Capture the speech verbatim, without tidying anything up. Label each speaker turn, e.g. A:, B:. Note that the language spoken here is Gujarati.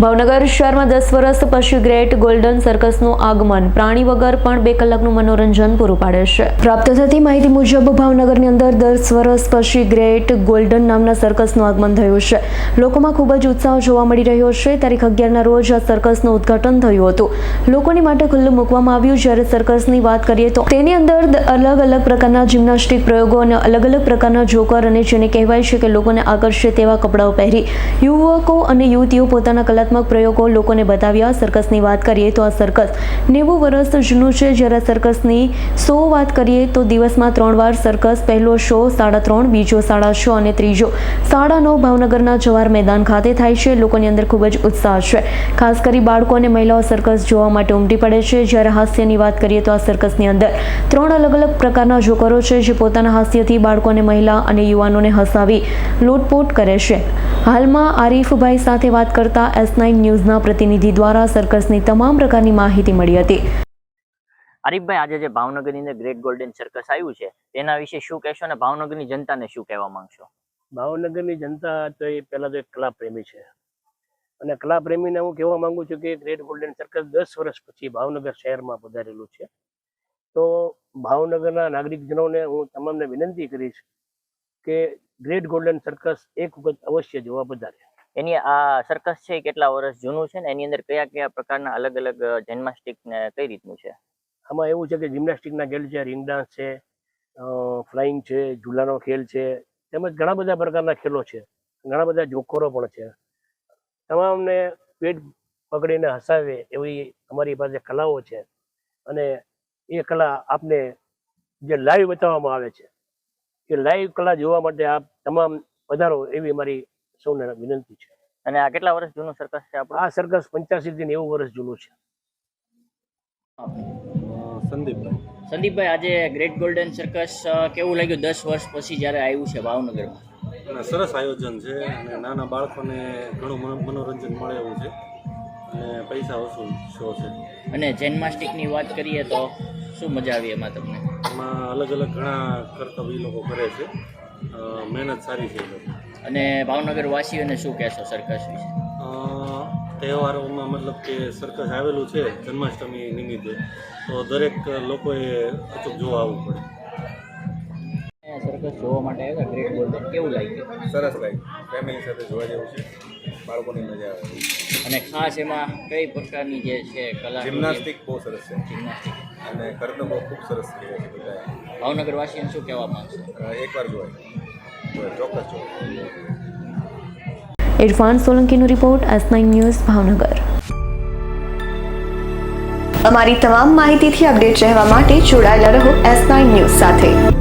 A: ભાવનગર શહેરમાં દસ વર્ષ પછી ગ્રેટ ગોલ્ડન સર્કસનું આગમન પ્રાણી વગર પણ બે કલાકનું મનોરંજન પૂરું પાડે છે। પ્રાપ્ત થતી માહિતી મુજબ ભાવનગરની અંદર દસ વર્ષ પછી ગ્રેટ ગોલ્ડન નામના સર્કસનું આગમન થયું છે। લોકોમાં ખૂબ જ ઉત્સાહ જોવા મળી રહ્યો છે। તારીખ અગિયારના રોજ આ સર્કસનું ઉદ્ઘાટન થયું હતું। લોકોની માટે ખુલ્લું મૂકવામાં આવ્યું। જ્યારે સર્કસની વાત કરીએ તો તેની અંદર અલગ અલગ પ્રકારના જિમ્નાસ્ટિક પ્રયોગો અને અલગ અલગ પ્રકારના જોકર અને જેને કહેવાય છે કે લોકોને આકર્ષે તેવા કપડાઓ પહેરી યુવકો અને યુવતીઓ પોતાના કલાત્મક પ્રયોગો લોકોને બતાવ્યા। સર્કસની વાત કરીએ તો આ સર્કસ નેવું વર્ષ જૂનું છે। જ્યારે સર્કસની શો વાત કરીએ તો દિવસમાં ત્રણ વાર સર્કસ, પહેલો શો સાડા ત્રણ, બીજો સાડા છ અને ત્રીજો સાડા નવ ભાવનગરના જવાહર મેદાન ખાતે થાય છે। લોકોની અંદર ખૂબ જ ઉત્સાહ છે। ખાસ કરી બાળકો અને મહિલાઓ સર્કસ જોવા માટે ઉમટી પડે છે। જ્યારે હાસ્યની વાત કરીએ તો આ સર્કસની અંદર ત્રણ અલગ અલગ પ્રકારના જોકરો છે જે પોતાના હાસ્યથી બાળકોને, મહિલા અને યુવાનોને હસાવી લૂંટપોટ કરે છે। હાલમાં આરીફભાઈ સાથે વાત કરતા એસ નાઇન ન્યૂઝના પ્રતિનિધિ દ્વારા સર્કસની તમામ પ્રકારની માહિતી મળી હતી।
B: આરીફભાઈ, આજે જે ભાવનગરની અંદર ગ્રેટ ગોલ્ડન સર્કસ આવ્યું છે તેના વિશે શું કહેશો અને ભાવનગરની જનતાને શું કહેવા માંગશો?
C: ભાવનગરની જનતા તો એ પહેલા તો એક કલા પ્રેમી છે અને કલા પ્રેમીને હું કહેવા માંગુ છું કે ગ્રેટ ગોલ્ડન સર્કસ દસ વર્ષ પછી ભાવનગર શહેરમાં પધારેલું છે। તો ભાવનગરના નાગરિકજનોને હું તમામને વિનંતી કરીશ કે ગ્રેટ ગોલ્ડન સર્કસ એક વખત અવશ્ય જોવા પધારે।
B: એની આ સર્કસ છે કેટલા વર્ષ જૂનું છે ને એની અંદર કયા કયા પ્રકારના અલગ અલગ જિમ્નાસ્ટિક ને કઈ રીતનું છે?
C: આમાં એવું છે કે જિમ્નાસ્ટિકના ખેલ છે, રિંગ ડાન્સ છે, ફ્લાઇંગ છે, ઝૂલાનો ખેલ છે, તેમજ ઘણા બધા પ્રકારના ખેલો છે, ઘણા બધા જોકરો પણ છે। તમામને પેટ પકડીને હસાવે એવી અમારી પાસે કલાઓ છે અને એ કલા આપને જે લાઈવ બતાવવામાં આવે છે એ લાઈવ કલા જોવા માટે આપ તમામ પધારો એવી મારી સૌને વિનંતી છે।
B: અને આ કેટલા વર્ષ જૂનું સર્કસ છે આપણું?
C: આ સર્કસ પંચ્યાસી થી નેવું વર્ષ જૂનું છે।
D: સંદીપભાઈ
B: સંદીપભાઈ, આજે ગ્રેટ ગોલ્ડન સર્કસ કેવું લાગ્યું દસ વર્ષ પછી જ્યારે આવ્યું છે ભાવનગરમાં?
D: અને સરસ આયોજન છે અને નાના બાળકોને ઘણું મનોરંજન મળે એવું છે અને પૈસા વસૂલ શો છે।
B: અને જિમ્નાસ્ટિકની વાત કરીએ તો શું મજા આવી એમાં તમને?
D: એમાં અલગ અલગ ઘણા કરતબ એ લોકો કરે છે, મહેનત સારી છે એ લોકો।
B: અને ભાવનગર વાસીઓને શું કહેશો સર્કસ વિશે?
D: તહેવારોમાં મતલબ કે સર્કસ આવેલું છે જન્માષ્ટમી નિમિત્તે, તો દરેક લોકોએ અચૂક જોવા આવવું પડે।
B: સર્કસ જોવા માટે આવ્યા ગ્રેટ ગોલ્ડન, કેવું લાગ્યું?
E: સરસ લાગ્યું, ફેમિલી સાથે જોવા જેવું છે, બાળકોની મજા આવે।
B: અને ખાસ એમાં કઈ પ્રકારની જે છે કલા?
E: જિમ્નાસ્ટિક બહુ સરસ છે
B: જિમ્નાસ્ટિક
E: અને કરતબો ખૂબ સરસ કર્યા છે બધાએ।
B: ભાવનગર વાસીઓને શું કહેવા માંગશો?
E: એકવાર જોવાય, ચોક્કસ જોવાય।
A: ઇરફાન સોલંકીનો report, S nine news, Bhavnagar.
F: અમારી તમામ માહિતીથી અપડેટ રહેવા માટે જોડાયેલા રહો એસ નાઇન ન્યૂઝ સાથે।